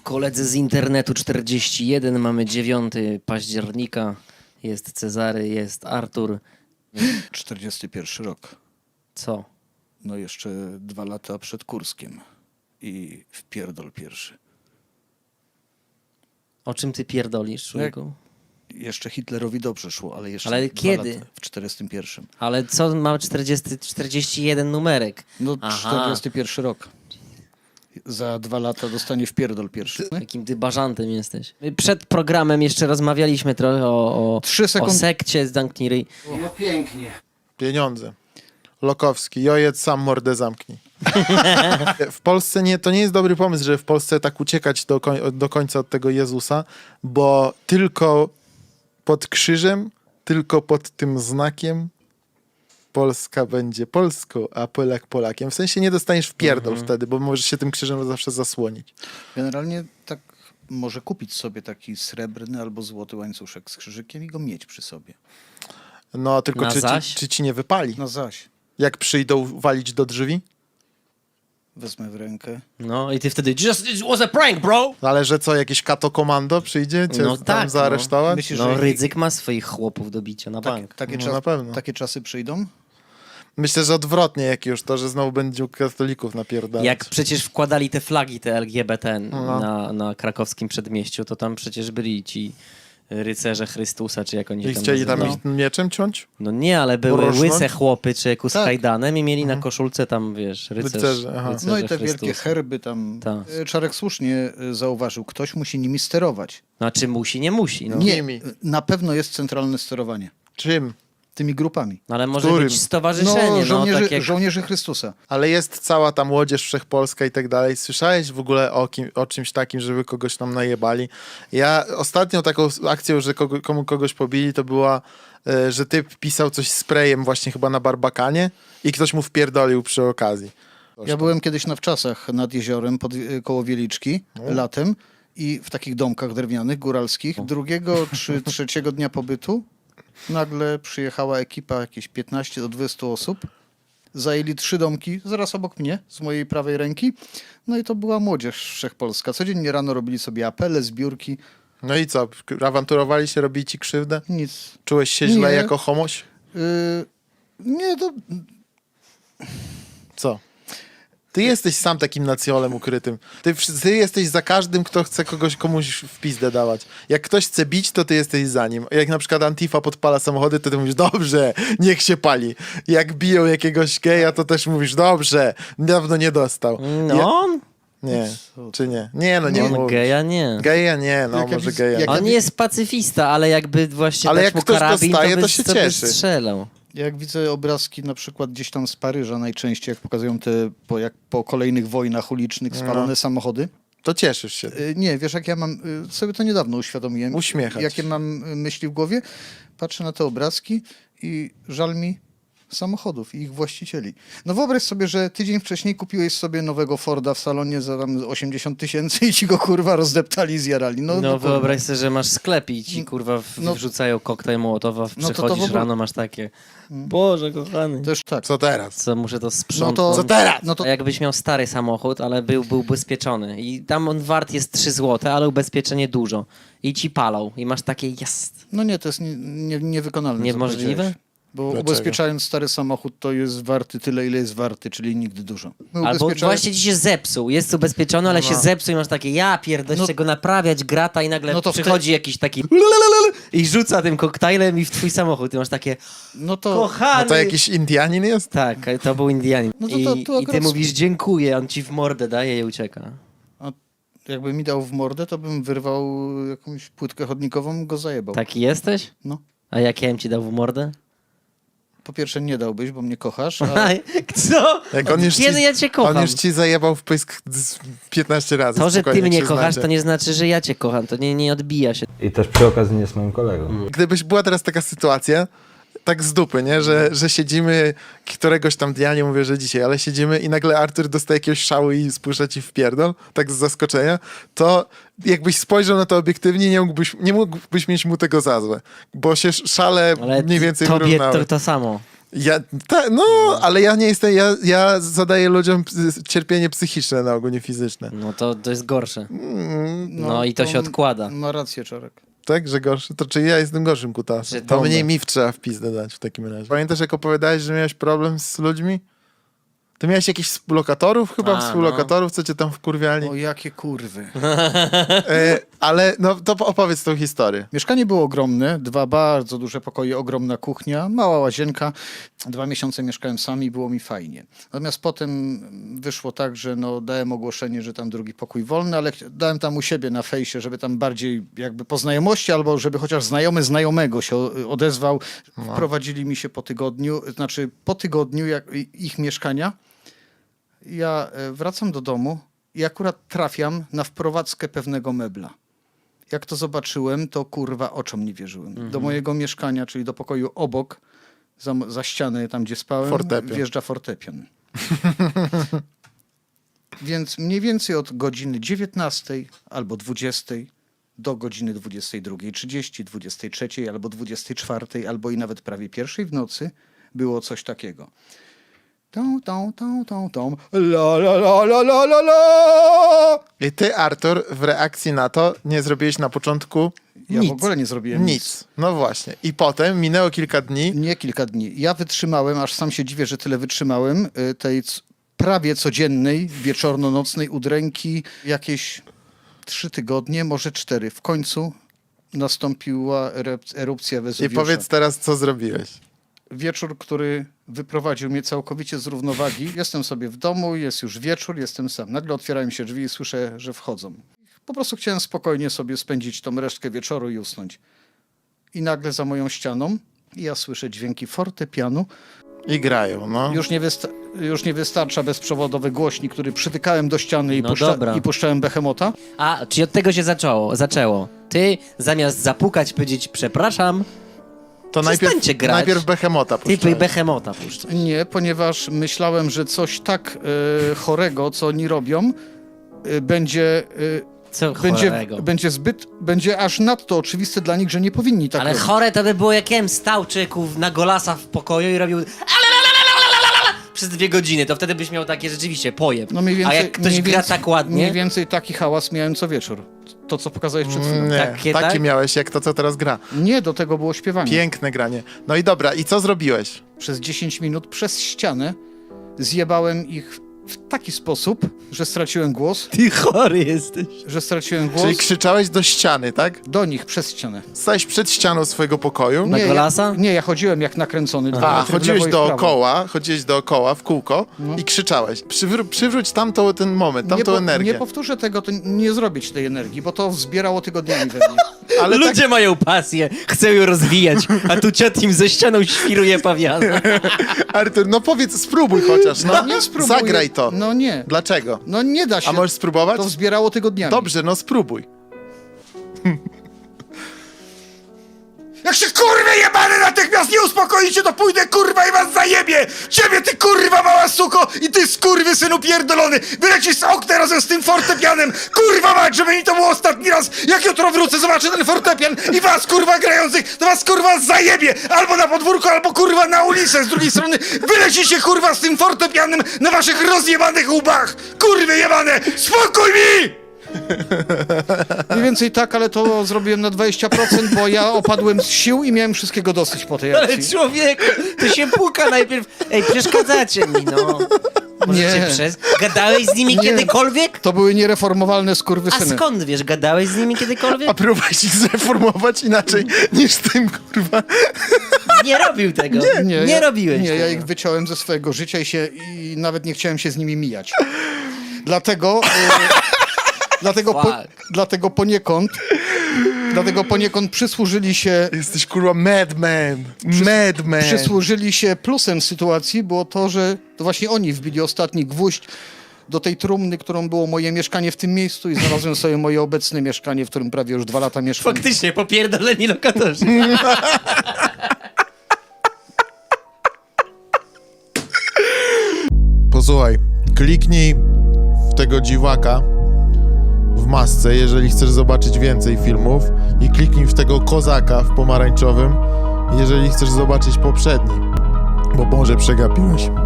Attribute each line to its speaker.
Speaker 1: Koledzy z internetu 41, mamy 9 października. Jest Cezary, jest Artur.
Speaker 2: 41 rok.
Speaker 1: Co?
Speaker 2: No jeszcze 2 lata przed Kurskiem. I wpierdol pierwszy.
Speaker 1: O czym ty pierdolisz, człowieku?
Speaker 2: Jeszcze Hitlerowi dobrze szło, ale jeszcze
Speaker 1: Ale
Speaker 2: 2
Speaker 1: kiedy?
Speaker 2: lata w 41.
Speaker 1: Ale co ma 41 numerek?
Speaker 2: No
Speaker 1: Aha.
Speaker 2: 41 rok. Za 2 lata dostanie wpierdol pierwszy.
Speaker 1: Jakim ty bażantem jesteś. My przed programem jeszcze rozmawialiśmy trochę o
Speaker 2: 3 sekundy.
Speaker 1: sekcie, zamknij ryj.
Speaker 2: No pięknie.
Speaker 3: Pieniądze. Lokowski, jojedz sam mordę zamknij. W Polsce to nie jest dobry pomysł, żeby w Polsce tak uciekać do końca od tego Jezusa, bo tylko pod krzyżem, tylko pod tym znakiem Polska będzie Polską, a Polak Polakiem. W sensie nie dostaniesz w pierdol wtedy, bo możesz się tym krzyżem zawsze zasłonić.
Speaker 2: Generalnie tak może kupić sobie taki srebrny albo złoty łańcuszek z krzyżykiem i go mieć przy sobie.
Speaker 3: No tylko
Speaker 1: Na zaś?
Speaker 3: czy ci nie wypali?
Speaker 2: No zaś.
Speaker 3: Jak przyjdą walić do drzwi?
Speaker 2: Wezmę w rękę.
Speaker 1: No i ty wtedy it was a prank, bro!
Speaker 3: Ale że co, jakieś kato komando przyjdzie cię
Speaker 1: No
Speaker 3: tam
Speaker 1: tak,
Speaker 3: zaaresztować?
Speaker 2: Myślisz,
Speaker 1: No
Speaker 2: że
Speaker 1: Rydzyk ma swoich chłopów do bicia na bank.
Speaker 3: No na pewno.
Speaker 2: Takie czasy przyjdą?
Speaker 3: Myślę, że odwrotnie jak już to, że znowu będzie katolików napierdalać.
Speaker 1: Jak przecież wkładali te flagi, te LGBT na krakowskim przedmieściu, to tam przecież byli ci rycerze Chrystusa, czy jak oni się
Speaker 3: I
Speaker 1: tam
Speaker 3: chcieli tam
Speaker 1: nazywali.
Speaker 3: ich mieczem ciąć?
Speaker 1: No nie, ale były
Speaker 3: Porosnąć?
Speaker 1: łyse chłopy, czy z
Speaker 2: Tak.
Speaker 1: kajdanem i mieli na koszulce tam, wiesz,
Speaker 3: Rycerze, aha.
Speaker 1: rycerze
Speaker 2: No i te
Speaker 1: Chrystusa.
Speaker 2: wielkie herby tam.
Speaker 1: Tak.
Speaker 2: Czarek słusznie zauważył, ktoś musi nimi sterować.
Speaker 1: Znaczy musi, nie musi. No.
Speaker 2: Nie,
Speaker 3: Nimi.
Speaker 2: na pewno jest centralne sterowanie
Speaker 3: Czym?
Speaker 2: tymi grupami.
Speaker 1: No, ale może
Speaker 3: Którym?
Speaker 1: być stowarzyszenie,
Speaker 2: No, żołnierzy,
Speaker 1: tak jak...
Speaker 2: żołnierzy Chrystusa.
Speaker 3: Ale jest cała ta młodzież wszechpolska i tak dalej. Słyszałeś w ogóle o czymś takim, żeby kogoś tam najebali? Ja ostatnią taką akcją, że kogoś pobili, to była, że typ pisał coś sprayem właśnie chyba na Barbakanie i ktoś mu wpierdolił przy okazji.
Speaker 2: Ja byłem kiedyś na wczasach nad jeziorem koło Wieliczki latem i w takich domkach drewnianych, góralskich. Drugiego czy trzeciego dnia pobytu nagle przyjechała ekipa, jakieś 15 do 20 osób. Zajęli 3 domki zaraz obok mnie, z mojej prawej ręki. No i to była młodzież wszechpolska. Codziennie rano robili sobie apele, zbiórki.
Speaker 3: No i co? Awanturowali się, robili ci krzywdę?
Speaker 2: Nic.
Speaker 3: Czułeś się źle
Speaker 2: Nie.
Speaker 3: jako homoś?
Speaker 2: Nie, to...
Speaker 3: Co? Ty jesteś sam takim nacjolem ukrytym. Ty jesteś za każdym, kto chce komuś w pizdę dawać. Jak ktoś chce bić, to ty jesteś za nim. Jak na przykład Antifa podpala samochody, to ty mówisz, dobrze, niech się pali. Jak biją jakiegoś geja, to też mówisz, dobrze, dawno nie dostał.
Speaker 1: No,
Speaker 3: Nie, czy nie? Nie, no nie
Speaker 1: on
Speaker 3: mówisz.
Speaker 1: geja nie.
Speaker 3: Geja nie, no
Speaker 2: Jak ja
Speaker 3: może
Speaker 2: widzę-
Speaker 3: geja.
Speaker 2: jak
Speaker 1: On jest pacyfista, ale jakby właśnie
Speaker 3: Ale
Speaker 1: dać
Speaker 3: jak
Speaker 1: mu
Speaker 3: ktoś
Speaker 1: karabin,
Speaker 3: dostaje,
Speaker 1: to, by,
Speaker 3: to się
Speaker 1: by
Speaker 3: cieszy.
Speaker 1: strzelał.
Speaker 2: Jak widzę obrazki na przykład gdzieś tam z Paryża najczęściej, jak pokazują te po kolejnych wojnach ulicznych spalone samochody.
Speaker 3: To cieszysz się.
Speaker 2: Nie, wiesz jak ja mam, sobie to niedawno uświadomiłem.
Speaker 3: Uśmiechać.
Speaker 2: Jakie mam myśli w głowie. Patrzę na te obrazki i żal mi samochodów i ich właścicieli. No wyobraź sobie, że tydzień wcześniej kupiłeś sobie nowego Forda w salonie za tam 80 000 i ci go kurwa rozdeptali i zjarali.
Speaker 1: No
Speaker 2: kurwa.
Speaker 1: wyobraź sobie, że masz sklep i ci kurwa
Speaker 2: No-
Speaker 1: wrzucają koktajl Mołotowa,
Speaker 2: No to w
Speaker 1: przychodzisz
Speaker 2: ogóle-
Speaker 1: rano, masz takie Boże kochany,
Speaker 2: Też tak.
Speaker 3: Co teraz?
Speaker 1: co muszę to
Speaker 2: No
Speaker 1: sprzątnąć.
Speaker 2: to,
Speaker 3: Co teraz?
Speaker 2: No to
Speaker 1: A jakbyś miał stary samochód, ale był ubezpieczony i tam on wart jest 3 zł, ale ubezpieczenie dużo i ci palą i masz takie jest.
Speaker 2: no nie, to jest niewykonalne. co
Speaker 1: Niemożliwe?
Speaker 2: powiedziałeś. Bo
Speaker 3: Dlaczego?
Speaker 2: ubezpieczając stary samochód, to jest warty tyle, ile jest warty, czyli nigdy dużo. My
Speaker 1: Albo
Speaker 2: ubezpieczając-
Speaker 1: właśnie ci się zepsuł, jest ubezpieczony, ale się zepsuł i masz takie ja pierdolę,
Speaker 2: No-
Speaker 1: go naprawiać, grata i nagle
Speaker 2: No to
Speaker 1: przychodzi jakiś taki i rzuca tym koktajlem i w twój samochód i masz takie
Speaker 2: No to...
Speaker 1: kochany.
Speaker 3: No to jakiś Indianin jest?
Speaker 1: Tak, to był Indianin.
Speaker 2: No to
Speaker 1: I ty
Speaker 2: akurat-
Speaker 1: mówisz dziękuję, on ci w mordę daje i ucieka.
Speaker 2: A jakby mi dał w mordę, to bym wyrwał jakąś płytkę chodnikową, go zajebał.
Speaker 1: Taki jesteś?
Speaker 2: No.
Speaker 1: A jak ja bym ci dał w mordę?
Speaker 2: Po pierwsze nie dałbyś, bo mnie kochasz, a
Speaker 1: Co?
Speaker 3: Jak on już
Speaker 1: Kiedy ja cię kocham?
Speaker 3: On już ci zajebał w pysk 15 razy.
Speaker 1: To, że ty
Speaker 3: spokojnie,
Speaker 1: mnie
Speaker 3: przyznacie.
Speaker 1: kochasz, to nie znaczy, że ja cię kocham. To nie odbija się.
Speaker 4: I też przy okazji nie jest moim kolegą.
Speaker 3: Gdybyś była teraz taka sytuacja, tak z dupy, nie? Że siedzimy któregoś tam dnia, nie mówię, że dzisiaj, ale siedzimy i nagle Artur dostaje jakiegoś szału i spuszcza ci w pierdol, tak z zaskoczenia, to jakbyś spojrzał na to obiektywnie, nie mógłbyś mieć mu tego za złe, bo się szale
Speaker 1: Ale
Speaker 3: mniej więcej
Speaker 1: tobie
Speaker 3: wyrównały.
Speaker 1: to samo.
Speaker 3: Ale ja nie jestem, ja zadaję ludziom cierpienie psychiczne na ogół, nie fizyczne.
Speaker 1: No to jest gorsze. No i to się odkłada.
Speaker 2: Ma rację, Czarek.
Speaker 3: Tak, że gorszy? To czy ja jestem gorszym kutasem?
Speaker 1: Że
Speaker 3: To
Speaker 1: bombę.
Speaker 3: mniej mi trzeba w pizdę dać w takim razie. Pamiętasz, jak opowiadałeś, że miałeś problem z ludźmi? To miałeś jakichś współlokatorów chyba? Współlokatorów, co cię tam wkurwiali?
Speaker 2: O, jakie kurwy.
Speaker 3: Ale no to opowiedz tą historię.
Speaker 2: Mieszkanie było ogromne, 2 bardzo duże pokoje, ogromna kuchnia, mała łazienka. 2 miesiące mieszkałem sam i było mi fajnie. Natomiast potem wyszło tak, że no, dałem ogłoszenie, że tam drugi pokój wolny, ale dałem tam u siebie na fejsie, żeby tam bardziej jakby po znajomości, albo żeby chociaż znajomy znajomego się odezwał. Wprowadzili mi się po tygodniu ich mieszkania. Ja wracam do domu i akurat trafiam na wprowadzkę pewnego mebla. Jak to zobaczyłem, to kurwa oczom nie wierzyłem. Do mojego mieszkania, czyli do pokoju obok, za ścianę tam, gdzie spałem, wjeżdża fortepian. Więc mniej więcej od godziny 19 albo 20 do godziny 22:30, 23 albo 24, albo i nawet prawie 1 w nocy było coś takiego. Tom, la la la la la la la.
Speaker 3: I ty, Artur, w reakcji na to nie zrobiłeś na początku
Speaker 2: Ja
Speaker 3: nic.
Speaker 2: w ogóle nie zrobiłem
Speaker 3: Nic. No właśnie. I potem minęło kilka dni.
Speaker 2: Nie kilka dni. Ja wytrzymałem, aż sam się dziwię, że tyle wytrzymałem, tej prawie codziennej, wieczorno-nocnej udręki, jakieś 3 tygodnie, może 4. W końcu nastąpiła erupcja
Speaker 3: I
Speaker 2: Wezuwiusza.
Speaker 3: powiedz teraz, co zrobiłeś.
Speaker 2: Wieczór, który wyprowadził mnie całkowicie z równowagi. Jestem sobie w domu, jest już wieczór, jestem sam. Nagle otwierają się drzwi i słyszę, że wchodzą. Po prostu chciałem spokojnie sobie spędzić tą resztkę wieczoru i usnąć. I nagle za moją ścianą ja słyszę dźwięki fortepianu.
Speaker 3: I grają, no.
Speaker 2: Już nie wystarcza bezprzewodowy głośnik, który przytykałem do ściany
Speaker 1: No
Speaker 2: i puszczałem Behemota.
Speaker 1: A, czyli od tego się zaczęło. Ty zamiast zapukać, powiedzieć przepraszam,
Speaker 3: To
Speaker 1: przestańcie grać.
Speaker 3: najpierw Behemota
Speaker 1: ty
Speaker 3: puszczałeś.
Speaker 1: Behemota puszczasz.
Speaker 2: Nie, ponieważ myślałem, że coś tak chorego, co oni robią, będzie...
Speaker 1: Co chorego?
Speaker 2: Będzie aż nadto oczywiste dla nich, że nie powinni tak
Speaker 1: Ale
Speaker 2: robić.
Speaker 1: chore to by było, jak ja bym stał czyków na golasa w pokoju i robił przez 2 godziny, to wtedy byś miał takie rzeczywiście pojeb.
Speaker 2: No mniej więcej,
Speaker 1: A jak ktoś gra tak ładnie,
Speaker 2: Mniej więcej taki hałas miałem co wieczór. To, co pokazałeś przed chwilą.
Speaker 3: Nie,
Speaker 1: Takie,
Speaker 3: taki
Speaker 1: tak?
Speaker 3: miałeś, jak to, co teraz gra.
Speaker 2: Nie, do tego było śpiewanie.
Speaker 3: Piękne granie. No i dobra, i co zrobiłeś?
Speaker 2: Przez 10 minut przez ścianę zjebałem ich w taki sposób, że straciłem głos.
Speaker 1: ty chory jesteś.
Speaker 3: Czyli krzyczałeś do ściany, tak?
Speaker 2: Do nich przez ścianę.
Speaker 3: Stałeś przed ścianą swojego pokoju.
Speaker 1: Na golasa?
Speaker 2: Nie, ja chodziłem jak nakręcony. 2 metry w
Speaker 3: chodziłeś
Speaker 2: lewo i w prawo.
Speaker 3: dookoła, w kółko i krzyczałeś. Przywróć ten moment, tamtą energię.
Speaker 2: Nie powtórzę tego, to nie zrobię ci tej energii, bo to zbierało tygodniami we mnie.
Speaker 3: Ale
Speaker 1: Ludzie mają pasję, chcą ją rozwijać, a tu ciot im ze ścianą świruje pawiana.
Speaker 3: Artur, no powiedz, spróbuj chociaż, no.
Speaker 2: Nie spróbuję.
Speaker 3: Zagraj to.
Speaker 2: No nie.
Speaker 3: Dlaczego?
Speaker 2: No nie da się.
Speaker 3: A możesz spróbować?
Speaker 2: To zbierało tygodniami.
Speaker 3: Dobrze, no spróbuj.
Speaker 2: Jak się kurwy jebane natychmiast nie uspokoicie, to pójdę kurwa i was zajebie! Ciebie ty kurwa mała suko i ty skurwysynu pierdolony! Wylecisz z okna razem z tym fortepianem! Kurwa mać, żeby mi to było ostatni raz! Jak jutro wrócę, zobaczę ten fortepian i was kurwa grających, to was kurwa zajebie! Albo na podwórku, albo kurwa na ulicę z drugiej strony! Wylecicie kurwa z tym fortepianem na waszych rozjebanych łbach! Kurwy jebane! Spokój mi! Mniej więcej tak, ale to zrobiłem na 20%, bo ja opadłem z sił i miałem wszystkiego dosyć po tej
Speaker 1: Ale
Speaker 2: akcji.
Speaker 1: człowieku, ty się puka najpierw. Ej, przeszkadzacie mi, no. Możecie
Speaker 2: Nie.
Speaker 1: Gadałeś z nimi
Speaker 2: Nie.
Speaker 1: kiedykolwiek?
Speaker 2: To były niereformowalne
Speaker 1: A
Speaker 2: skurwysyny.
Speaker 1: skąd wiesz, gadałeś z nimi kiedykolwiek?
Speaker 3: A próbowałeś ich zreformować inaczej niż tym, kurwa.
Speaker 1: Nie robił tego. Nie robiłeś
Speaker 2: Nie,
Speaker 1: tego.
Speaker 2: ja ich wyciąłem ze swojego życia i nawet nie chciałem się z nimi mijać. Dlatego... Dlatego poniekąd przysłużyli się...
Speaker 3: Jesteś, kurwa, madman. Madman.
Speaker 2: Przysłużyli się plusem sytuacji, było to, że to właśnie oni wbili ostatni gwóźdź do tej trumny, którą było moje mieszkanie w tym miejscu i znalazłem sobie moje obecne mieszkanie, w którym prawie już 2 lata mieszkam.
Speaker 1: Faktycznie, popierdoleni lokatorzy.
Speaker 3: Posłuchaj, kliknij w tego dziwaka w masce, jeżeli chcesz zobaczyć więcej filmów, i kliknij w tego kozaka w pomarańczowym, jeżeli chcesz zobaczyć poprzedni. Bo może przegapiłeś.